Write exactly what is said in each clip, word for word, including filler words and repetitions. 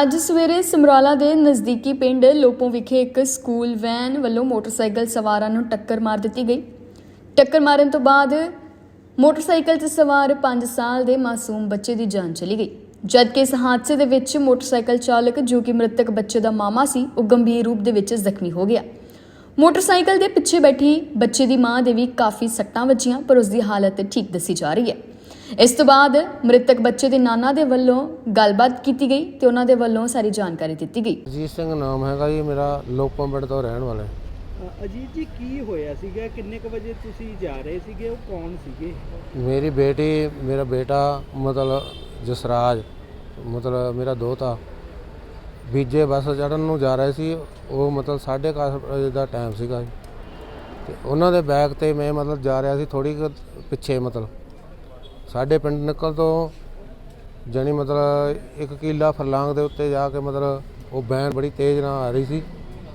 ਅੱਜ ਸਵੇਰੇ ਸਮਰਾਲਾ ਦੇ ਨਜ਼ਦੀਕੀ ਪਿੰਡ ਲੋਪੋਂ ਵਿਖੇ ਇੱਕ ਸਕੂਲ ਵੈਨ ਵੱਲੋਂ ਮੋਟਰਸਾਈਕਲ ਸਵਾਰਾਂ ਨੂੰ ਟੱਕਰ ਮਾਰ ਦਿੱਤੀ ਗਈ। ਟੱਕਰ ਮਾਰਨ ਤੋਂ ਬਾਅਦ ਮੋਟਰਸਾਈਕਲ 'ਤੇ ਸਵਾਰ ਪੰਜ ਸਾਲ ਦੇ ਮਾਸੂਮ ਬੱਚੇ ਦੀ ਜਾਨ ਚਲੀ ਗਈ, ਜਦਕਿ ਇਸ ਹਾਦਸੇ ਦੇ ਵਿੱਚ ਮੋਟਰਸਾਈਕਲ ਚਾਲਕ ਜੋ ਕਿ ਮ੍ਰਿਤਕ ਬੱਚੇ ਦਾ ਮਾਮਾ ਸੀ, ਉਹ ਗੰਭੀਰ ਰੂਪ ਦੇ ਵਿੱਚ ਜ਼ਖਮੀ ਹੋ ਗਿਆ। ਮੋਟਰਸਾਈਕਲ ਦੇ ਪਿੱਛੇ ਬੈਠੀ ਬੱਚੇ ਦੀ ਮਾਂ ਦੇ ਵੀ ਕਾਫੀ ਸੱਟਾਂ ਵੱਜੀਆਂ, ਪਰ ਉਸ ਦੀ ਹਾਲਤ ਠੀਕ ਦੱਸੀ ਜਾ ਰਹੀ ਹੈ। ਇਸ ਤੋਂ ਬਾਅਦ ਮ੍ਰਿਤਕ ਬੱਚੇ ਦੇ ਨਾਨਾ ਦੇ ਵੱਲੋਂ ਗੱਲਬਾਤ ਕੀਤੀ ਗਈ ਤੇ ਉਹਨਾਂ ਦੇ ਵੱਲੋਂ ਸਾਰੀ ਜਾਣਕਾਰੀ ਦਿੱਤੀ ਗਈ। ਅਜੀਤ ਸਿੰਘ ਨਾਮ ਹੈਗਾ ਜੀ ਮੇਰਾ, ਲੋਪੋਂ ਪਿੰਡ ਤੋਂ ਰਹਿਣ ਵਾਲਾ। ਅਜੀਤ ਜੀ, ਕੀ ਹੋਇਆ ਸੀਗਾ? ਕਿੰਨੇ ਕੁ ਵਜੇ ਤੁਸੀਂ ਜਾ ਰਹੇ ਸੀਗੇ? ਉਹ ਕੌਣ ਸੀਗੇ? ਮੇਰੀ ਬੇਟੀ, ਮੇਰਾ ਬੇਟਾ ਮਤਲਬ ਜਸਰਾਜ, ਮਤਲਬ ਮੇਰਾ ਦੋਤਾ ਬੀਜੇ ਬੱਸ ਚੜ੍ਹਨ ਨੂੰ ਜਾ ਰਹੇ ਸੀ। ਉਹ ਮਤਲਬ ਸਾਢੇ ਕੁ ਵਜੇ ਦਾ ਟਾਈਮ ਸੀਗਾ ਅਤੇ ਉਹਨਾਂ ਦੇ ਬੈਗ 'ਤੇ ਮੈਂ ਮਤਲਬ ਜਾ ਰਿਹਾ ਸੀ ਥੋੜ੍ਹੀ ਕੁ ਪਿੱਛੇ, ਮਤਲਬ ਸਾਡੇ ਪਿੰਡ ਨਿਕਲ ਤੋਂ ਜਾਣੀ ਮਤਲਬ ਇੱਕ ਕਿੱਲਾ ਫਰਲਾਂਗ ਦੇ ਉੱਤੇ ਜਾ ਕੇ ਮਤਲਬ ਉਹ ਵੈਨ ਬੜੀ ਤੇਜ਼ ਨਾਲ ਆ ਰਹੀ ਸੀ।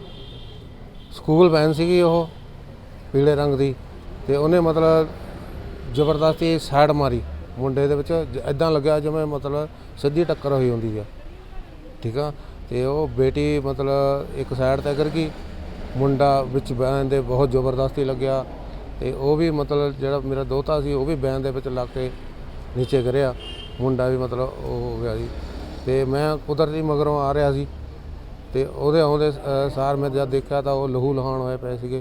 ਸਕੂਲ ਵੈਨ ਸੀਗੀ ਉਹ ਪੀਲੇ ਰੰਗ ਦੀ, ਅਤੇ ਉਹਨੇ ਮਤਲਬ ਜ਼ਬਰਦਸਤੀ ਸਾਈਡ ਮਾਰੀ ਮੁੰਡੇ ਦੇ ਵਿੱਚ, ਇੱਦਾਂ ਲੱਗਿਆ ਜਿਵੇਂ ਮਤਲਬ ਸਿੱਧੀ ਟੱਕਰ ਹੋਈ ਹੁੰਦੀ ਆ, ਠੀਕ ਆ। ਅਤੇ ਉਹ ਬੇਟੀ ਮਤਲਬ ਇੱਕ ਸਾਈਡ 'ਤੇ ਗਿਰ ਗਈ, ਮੁੰਡਾ ਵਿੱਚ ਵੈਨ ਦੇ ਬਹੁਤ ਜ਼ਬਰਦਸਤੀ ਲੱਗਿਆ, ਅਤੇ ਉਹ ਵੀ ਮਤਲਬ ਜਿਹੜਾ ਮੇਰਾ ਦੋਤਾ ਸੀ ਉਹ ਵੀ ਵੈਨ ਦੇ ਵਿੱਚ ਲੱਗ ਕੇ ਨੀਚੇ ਗਿਰਿਆ, ਮੁੰਡਾ ਵੀ ਮਤਲਬ ਉਹ ਹੋ ਗਿਆ ਜੀ। ਅਤੇ ਮੈਂ ਕੁਦਰਤੀ ਮਗਰੋਂ ਆ ਰਿਹਾ ਸੀ, ਅਤੇ ਉਹਦੇ ਆਉਂਦੇ ਸਾਰ ਮੈਂ ਜਦ ਦੇਖਿਆ ਤਾਂ ਉਹ ਲਹੂ ਲਹਾਣ ਹੋਏ ਪਏ ਸੀਗੇ।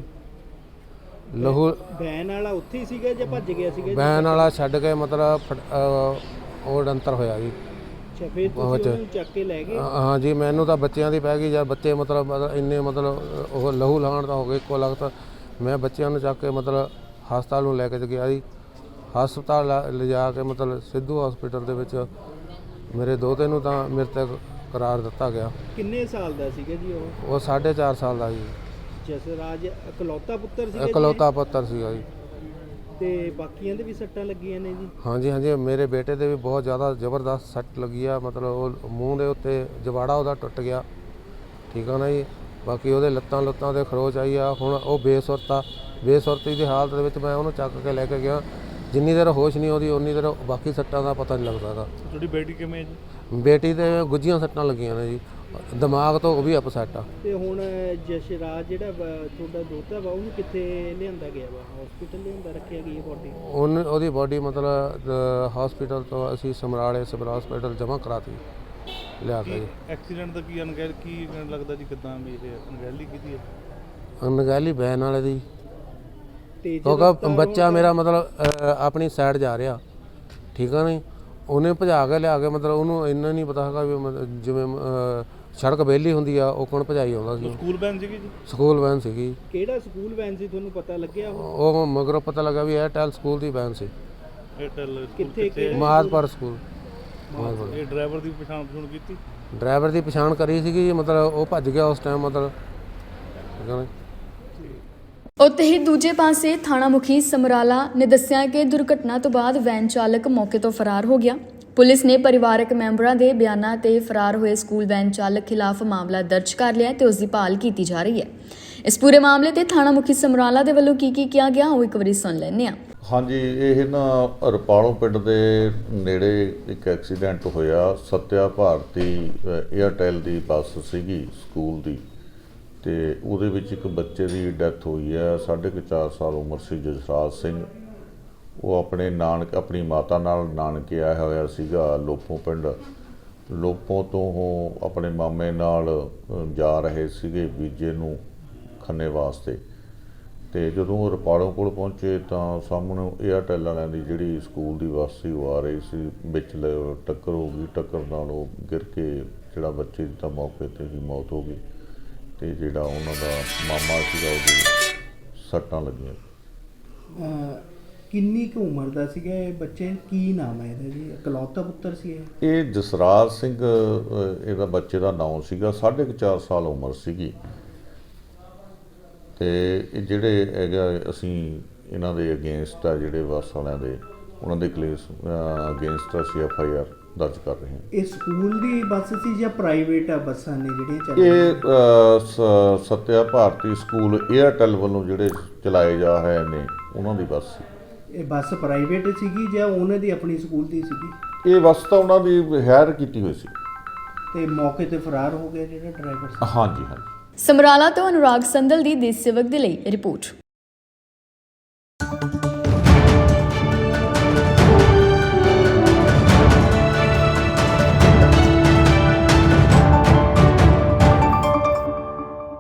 ਲਹੂ ਵੈਨ ਵਾਲਾ ਉੱਥੇ ਹੀ ਸੀਗਾ ਜਾਂ ਭੱਜ ਗਿਆ ਸੀਗਾ? ਵੈਨ ਵਾਲਾ ਛੱਡ ਕੇ ਮਤਲਬ ਉਹ ਡੰਤਰ ਹੋਇਆ ਜੀ। ਅੱਛਾ, ਫਿਰ ਤੁਸੀਂ ਉਹਨੂੰ ਚੱਕ ਕੇ ਲੈ ਗਏ? ਹਾਂ ਜੀ, ਮੈਨੂੰ ਤਾਂ ਬੱਚਿਆਂ ਦੀ ਪੈ ਗਈ ਜਾਂ ਬੱਚੇ ਮਤਲਬ ਇੰਨੇ ਮਤਲਬ ਉਹ ਲਹੂ ਲਹਾਣ ਤਾਂ ਹੋ ਗਏ ਇੱਕੋ ਲਗਤ। ਮੈਂ ਬੱਚਿਆਂ ਨੂੰ ਚੱਕ ਕੇ ਮਤਲਬ ਹਸਪਤਾਲ ਨੂੰ ਲੈ ਕੇ ਗਿਆ ਜੀ। ਹਸਪਤਾਲ ਲਿਜਾ ਕੇ ਮਤਲਬ ਸਿੱਧੂ ਹਸਪੀਟਲ ਦੇ ਵਿੱਚ ਮੇਰੇ ਦੋਤੇ ਨੂੰ ਤਾਂ ਮ੍ਰਿਤਕ ਕਰਾਰ ਦਿੱਤਾ ਗਿਆ। ਕਿੰਨੇ ਸਾਲ ਦਾ ਸੀਗਾ ਜੀ ਉਹ? ਉਹ ਸਾਢੇ ਚਾਰ ਸਾਲ ਦਾ ਜੀ। ਜਸਰਾਜ ਇਕਲੌਤਾ ਪੁੱਤਰ ਸੀਗਾ? ਇਕਲੌਤਾ ਪੁੱਤਰ ਸੀਗਾ ਜੀ। ਤੇ ਬਾਕੀਆਂ ਦੇ ਵੀ ਸੱਟਾਂ ਲੱਗੀਆਂ ਨੇ ਜੀ? ਹਾਂਜੀ ਹਾਂਜੀ, ਮੇਰੇ ਬੇਟੇ ਦੇ ਵੀ ਬਹੁਤ ਜ਼ਿਆਦਾ ਜ਼ਬਰਦਸਤ ਸੱਟ ਲੱਗੀ ਆ, ਮਤਲਬ ਉਹ ਮੂੰਹ ਦੇ ਉੱਤੇ ਜਵਾੜਾ ਉਹਦਾ ਟੁੱਟ ਗਿਆ, ਠੀਕ ਆ ਨਾ ਜੀ। ਬਾਕੀ ਉਹਦੇ ਲੱਤਾਂ ਲੁੱਤਾਂ 'ਤੇ ਖਰੋਚ ਆਈ ਆ। ਹੁਣ ਉਹ ਬੇਸੁਰਤ ਆ, ਬੇਸੁਰਤੀ ਦੀ ਹਾਲਤ ਦੇ ਵਿੱਚ ਮੈਂ ਉਹਨੂੰ ਚੱਕ ਕੇ ਲੈ ਕੇ ਗਿਆ। ਜਿੰਨੀ ਦੇਰ ਹੋਸ਼ ਨਹੀਂ ਆਉਂਦੀ ਉਨੀ ਦੇਰ ਬਾਕੀ ਸੱਟਾਂ ਦਾ ਪਤਾ ਨਹੀਂ ਲੱਗਦਾ ਗਾ। ਤੁਹਾਡੀ ਬੇਟੀ ਕਿਵੇਂ ਜੀ? ਬੇਟੀ ਦੇ ਗੁੱਝੀਆਂ ਸੱਟਾਂ ਲੱਗੀਆਂ ਨੇ ਜੀ, ਦਿਮਾਗ ਤੋਂ ਉਹ ਵੀ ਅਪਸੈਟ ਆ। ਤੇ ਹੁਣ ਜਸਰਾਜ ਜਿਹੜਾ ਤੁਹਾਡਾ ਦੋਤਾ ਵਾ, ਉਹਨੂੰ ਕਿੱਥੇ ਲਿਆਂਦਾ ਗਿਆ ਵਾ? ਹਸਪੀਟਲ ਲਿਆਂਦਾ ਰੱਖਿਆ ਗਈ ਬੋਡੀ? ਉਹਨ ਉਹਦੀ ਬੋਡੀ ਮਤਲਬ ਹਸਪੀਟਲ ਤੋਂ ਅਸੀਂ ਸਮਰਾਲੇ ਸਿਵਲ ਹਸਪੀਟਲ ਜਮ੍ਹਾਂ ਕਰਾਤੀ ਲਿਆ ਕੇ ਜੀ। ਐਕਸੀਡੈਂਟ ਦਾ ਕੀ ਅਣਗਹਿਲ ਕੀ ਲੱਗਦਾ ਜੀ? ਕਿੱਦਾਂ ਵੀ ਇਹ ਅਣਗਹਿਲੀ ਕੀਤੀ ਹੈ? ਅਣਗਹਿਲੀ ਵੈਨ ਵਾਲੇ ਦੀ, ਕਿਉਂਕਿ ਬੱਚਾ ਮੇਰਾ ਮਤਲਬ ਆਪਣੀ ਸਾਈਡ ਜਾ ਰਿਹਾ, ਠੀਕ ਆ ਨਹੀਂ। ਉਹਨੇ ਭਜਾ ਕੇ ਲਿਆ ਕੇ ਮਤਲਬ ਉਹਨੂੰ ਇੰਨਾ ਨਹੀਂ ਪਤਾ ਹੈਗਾ ਵੀ ਮਤਲਬ ਜਿਵੇਂ ਸੜਕ ਵਿਹਲੀ ਹੁੰਦੀ ਆ ਉਹ ਕੌਣ ਭਜਾਈ ਆਉਂਦਾ ਸੀ। ਸਕੂਲ ਵੈਨ ਸੀਗੀ ਜੀ? ਸਕੂਲ ਵੈਨ ਸੀਗੀ। ਕਿਹੜਾ ਸਕੂਲ ਵੈਨ ਸੀ, ਤੁਹਾਨੂੰ ਪਤਾ ਲੱਗਿਆ? ਉਹ ਮਗਰੋਂ ਪਤਾ ਲੱਗਾ ਵੀ ਏਅਰਟੈਲ ਸਕੂਲ ਦੀ ਵੈਨ ਸੀ। ਏਅਰਟੈਲ ਕਿੱਥੇ? ਮਾਦਪੁਰ ਸਕੂਲ। ਇਹ ਡਰਾਈਵਰ ਦੀ ਪਛਾਣ ਪਛਾਣ ਕੀਤੀ? ਡਰਾਈਵਰ ਦੀ ਪਛਾਣ ਕਰੀ ਸੀਗੀ, ਮਤਲਬ ਉਹ ਭੱਜ ਗਿਆ ਉਸ ਟਾਈਮ, ਮਤਲਬ ਠੀਕ ਆ। ਉੱਥੇ ਹੀ ਦੂਜੇ ਪਾਸੇ ਥਾਣਾ ਮੁਖੀ ਸਮਰਾਲਾ ਨੇ ਦੱਸਿਆ ਕਿ ਦੁਰਘਟਨਾ ਤੋਂ ਬਾਅਦ ਵੈਨ ਚਾਲਕ ਮੌਕੇ ਤੋਂ ਫਰਾਰ ਹੋ ਗਿਆ। ਪੁਲਿਸ ਨੇ ਪਰਿਵਾਰਕ ਮੈਂਬਰਾਂ ਦੇ ਬਿਆਨਾਂ ਤੇ ਫਰਾਰ ਹੋਏ ਸਕੂਲ ਵੈਨ ਚਾਲਕ ਖਿਲਾਫ ਮਾਮਲਾ ਦਰਜ ਕਰ ਲਿਆ ਤੇ ਉਸ ਦੀ ਭਾਲ ਕੀਤੀ ਜਾ ਰਹੀ ਹੈ। ਇਸ ਪੂਰੇ ਮਾਮਲੇ ਤੇ ਥਾਣਾ ਮੁਖੀ ਸਮਰਾਲਾ ਦੇ ਵੱਲੋਂ ਕੀ ਕੀ ਕਿਹਾ ਗਿਆ ਉਹ ਇੱਕ ਵਾਰੀ ਸੁਣ ਲੈਂਦੇ ਹਾਂ। ਹਾਂਜੀ, ਇਹ ਨਾ ਰਪਾਲੋਂ ਪਿੰਡ ਦੇ ਨੇੜੇ ਇੱਕ ਐਕਸੀਡੈਂਟ ਹੋਇਆ। ਸੱਤਿਆ ਭਾਰਤੀ ਏਅਰਟੈਲ ਦੀ ਬੱਸ ਸੀਗੀ ਸਕੂਲ ਦੀ, ਅਤੇ ਉਹਦੇ ਵਿੱਚ ਇੱਕ ਬੱਚੇ ਦੀ ਡੈਥ ਹੋਈ ਹੈ। ਸਾਢੇ ਕੁ ਚਾਰ ਸਾਲ ਉਮਰ ਸੀ ਜਸਰਾਜ ਸਿੰਘ। ਉਹ ਆਪਣੇ ਨਾਨਕ ਆਪਣੀ ਮਾਤਾ ਨਾਲ ਨਾਨਕੇ ਆਇਆ ਹੋਇਆ ਸੀਗਾ ਲੋਪੋਂ ਪਿੰਡ। ਲੋਪੋਂ ਤੋਂ ਉਹ ਆਪਣੇ ਮਾਮੇ ਨਾਲ ਜਾ ਰਹੇ ਸੀਗੇ ਬੀਜੇ ਨੂੰ ਖੰਨੇ ਵਾਸਤੇ, ਅਤੇ ਜਦੋਂ ਉਹ ਰਪਾਲੋਂ ਕੋਲ ਪਹੁੰਚੇ ਤਾਂ ਸਾਹਮਣੇ ਏਅਰਟੈਲ ਵਾਲਿਆਂ ਦੀ ਜਿਹੜੀ ਸਕੂਲ ਦੀ ਬੱਸ ਸੀ ਉਹ ਆ ਰਹੀ ਸੀ, ਵਿੱਚ ਟੱਕਰ ਹੋ ਗਈ। ਟੱਕਰ ਨਾਲ ਉਹ ਗਿਰ ਕੇ ਜਿਹੜਾ ਬੱਚੇ ਦੀ ਤਾਂ ਮੌਕੇ 'ਤੇ ਹੀ ਮੌਤ ਹੋ ਗਈ, ਅਤੇ ਜਿਹੜਾ ਉਹਨਾਂ ਦਾ ਮਾਮਾ ਸੀਗਾ ਉਹਦੀ ਸੱਟਾਂ ਲੱਗੀਆਂ। ਕਿੰਨੀ ਕੁ ਉਮਰ ਦਾ ਸੀਗਾ ਇਹ ਬੱਚੇ? ਕੀ ਨਾਮ ਹੈ ਇਹਦਾ ਜੀ? ਇਕਲੌਤਾ ਪੁੱਤਰ ਸੀ ਇਹ? ਇਹ ਜਸਰਾਜ ਸਿੰਘ ਇਹਦਾ ਬੱਚੇ ਦਾ ਨਾਮ ਸੀਗਾ। ਸਾਢੇ ਕੁ ਚਾਰ ਸਾਲ ਉਮਰ ਸੀਗੀ। ਅਤੇ ਇਹ ਜਿਹੜੇ ਹੈਗਾ ਅਸੀਂ ਇਹਨਾਂ ਦੇ ਅਗੇਂਸਟ ਆ, ਜਿਹੜੇ ਬੱਸ ਵਾਲਿਆਂ ਦੇ, ਉਹਨਾਂ ਦੇ ਕੇਸ ਅਗੇਂਸਟ ਅਸੀਂ ਐਫ ਆਈ ਆਰ ਦਰਜ ਕਰ ਰਹੇ ਹਾਂ। ਇਹ ਸਕੂਲ ਦੀ ਬੱਸ ਸੀ ਜਾਂ ਪ੍ਰਾਈਵੇਟ ਆ ਬੱਸਾਂ ਨੇ ਜਿਹੜੀਆਂ ਚੱਲ? ਇਹ ਸੱਤਿਆ ਭਾਰਤੀ ਸਕੂਲ ਏਅਰਟੈਲ ਵੱਲੋਂ ਜਿਹੜੇ ਚਲਾਏ ਜਾ ਰਹੇ ਨੇ ਉਹਨਾਂ ਦੀ ਬੱਸ ਸੀ। ਇਹ ਬੱਸ ਪ੍ਰਾਈਵੇਟ ਸੀਗੀ ਜਾਂ ਉਹਨਾਂ ਦੀ ਆਪਣੀ ਸਕੂਲ ਦੀ ਸੀਗੀ? ਇਹ ਬੱਸ ਤਾਂ ਉਹਨਾਂ ਦੀ ਹਾਇਰ ਕੀਤੀ ਹੋਈ ਸੀ। ਤੇ ਮੌਕੇ ਤੇ ਫਰਾਰ ਹੋ ਗਿਆ ਜਿਹੜਾ ਡਰਾਈਵਰ ਸੀ। ਹਾਂਜੀ ਹਾਂਜੀ। ਸਮਰਾਲਾ ਤੋਂ ਅਨੁਰਾਗ ਸੰਦਲ ਦੀ ਦੇਸ਼ ਸੇਵਕ ਦੇ ਲਈ ਰਿਪੋਰਟ।